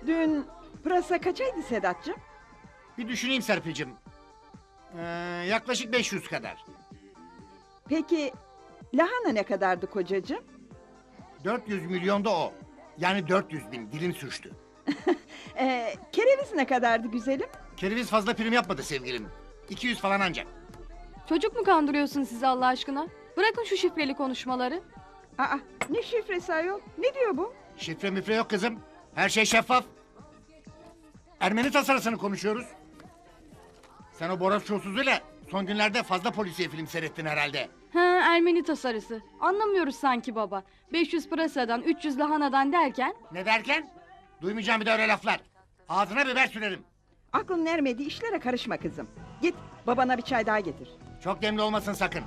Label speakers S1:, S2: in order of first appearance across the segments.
S1: Dün pırasa kaçaydı Sedat'cığım?
S2: Bir düşüneyim Serpil'cim. Yaklaşık 500 kadar.
S1: Peki lahana ne kadardı kocacığım?
S2: 400 milyon da o. Yani 400 bin, dilim sürçtü.
S1: Kereviz ne kadardı güzelim?
S2: Kereviz fazla prim yapmadı sevgilim. 200 falan ancak.
S3: Çocuk mu kandırıyorsun sizi Allah aşkına? Bırakın şu şifreli konuşmaları.
S1: Aa, ne şifresi ayol? Ne diyor bu?
S2: Şifre müfre yok kızım. Her şey şeffaf. Ermeni tasarısını konuşuyoruz. Sen o Boros çulsuzuyla son günlerde fazla polisiye film seyrettin herhalde.
S3: Ha, Ermeni tasarısı. Anlamıyoruz sanki baba. 500 pırasadan 300 lahanadan derken...
S2: Ne derken? Duymayacağım bir de öyle laflar. Ağzına biber sürerim.
S1: Aklın ermediği işlere karışma kızım. Git babana bir çay daha getir.
S2: Çok demli olmasın sakın.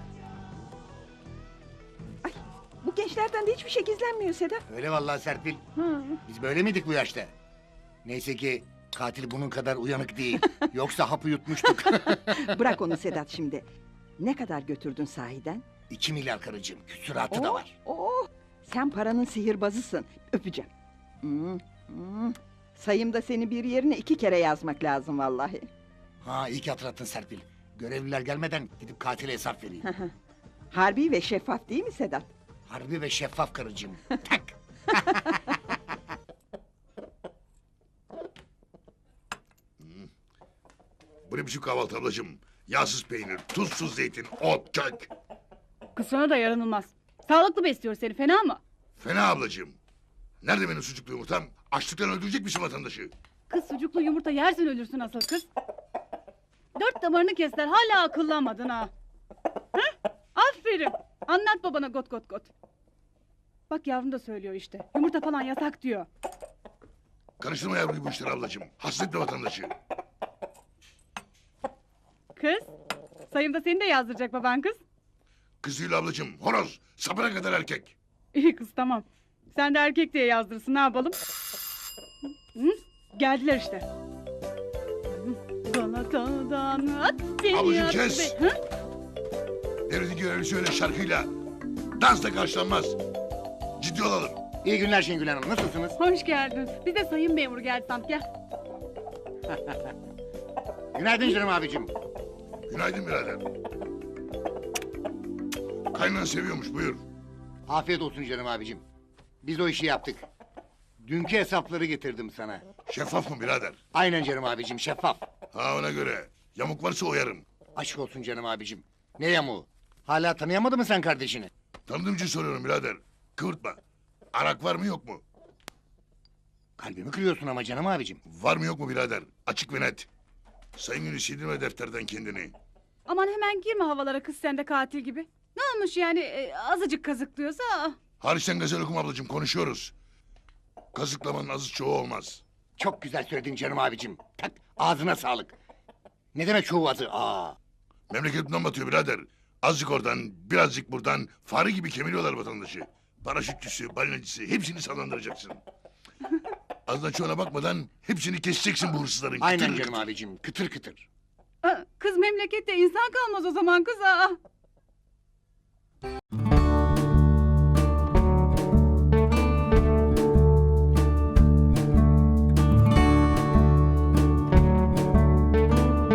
S1: Ay, bu gençlerden de hiçbir şey gizlenmiyor Sedat.
S2: Öyle vallahi Serpil.
S1: Hı.
S2: Biz böyle miydik bu yaşta? Neyse ki katil bunun kadar uyanık değil. Yoksa hapı yutmuştuk.
S1: Bırak onu Sedat şimdi. Ne kadar götürdün sahiden?
S2: 2 milyar karıcığım. Küsuratı da var.
S1: Oh, sen paranın sihirbazısın. Öpeceğim. Sayımda seni bir yerine 2 kere yazmak lazım vallahi.
S2: Ha iyi ki hatırlattın Serpil. Görevliler gelmeden gidip katile hesap vereyim.
S1: Harbi ve şeffaf değil mi Sedat?
S2: Harbi ve şeffaf karıcığım. Tak.
S4: Bu ne biçim kahvaltı ablacığım? Yağsız peynir, tuzsuz zeytin, ot, kök.
S5: Kız sana da yaranılmaz. Sağlıklı besliyor seni, fena mı?
S4: Fena ablacığım. Nerede benim sucuklu yumurtam? Açlıktan öldürecek misin vatandaşı?
S5: Kız sucuklu yumurta yersen ölürsün asıl kız. 4 damarını kestiler, hala akıllanmadın ha. Heh? Aferin. Anlat babana got got got. Bak yavrum da söylüyor işte. Yumurta falan yasak diyor.
S4: Karıştırma yavruyu bu işlere ablacığım. Hasretle vatandaşı.
S5: Kız, sayımda seni de yazdıracak baban kız.
S4: Kız değil ablacığım. Horoz. Sapına kadar erkek.
S5: İyi kız tamam. Sen de erkek diye yazdırsın, ne yapalım? Hı? Geldiler işte. Galata'dan at beni
S4: Ablacığım
S5: at
S4: kes.
S5: be- Hı?
S4: Devletin görevlisi öyle şarkıyla. Dansla karşılanmaz. Ciddi olalım.
S2: İyi günler Şengül Hanım. Nasılsınız?
S5: Hoş geldin. Biz de sayın memur geldi sandık, gel.
S2: Günaydın canım abicim.
S4: Günaydın birader. Kaynan seviyormuş, buyur.
S2: Afiyet olsun canım abicim. Biz o işi yaptık. Dünkü hesapları getirdim sana.
S4: Şeffaf mı birader?
S2: Aynen canım abicim şeffaf.
S4: Ha ona göre. Yamuk varsa oyarım.
S2: Aşk olsun canım abicim. Ne yamuğu? Hala tanıyamadın mı sen kardeşini?
S4: Tanıdığım için soruyorum birader. Kıvırtma. Arak var mı yok mu?
S2: Kalbimi kırıyorsun ama canım abicim.
S4: Var mı yok mu birader? Açık ve net. Sayın Günü sildirme defterden kendini.
S5: Aman hemen girme havalara kız, sen de katil gibi. Ne olmuş yani, azıcık kazıklıyorsa?
S4: Hariçten gazel okuma ablacığım, konuşuyoruz. Kazıklamanın azı çoğu olmaz.
S2: Çok güzel söyledin canım abicim. Tak ağzına sağlık. Ne demek çoğu adı? Aa.
S4: Memleketimden batıyor birader. Azıcık oradan, birazcık buradan fare gibi kemiriyorlar vatandaşı. Paraşütçüsü, balinacısı hepsini sallandıracaksın. Azdan çoğuna bakmadan hepsini keseceksin bu hırsızların.
S2: Aynen
S4: Kıtır
S2: canım
S4: kıtır.
S2: abicim. Kıtır kıtır.
S5: Kız memlekette insan kalmaz o zaman kız.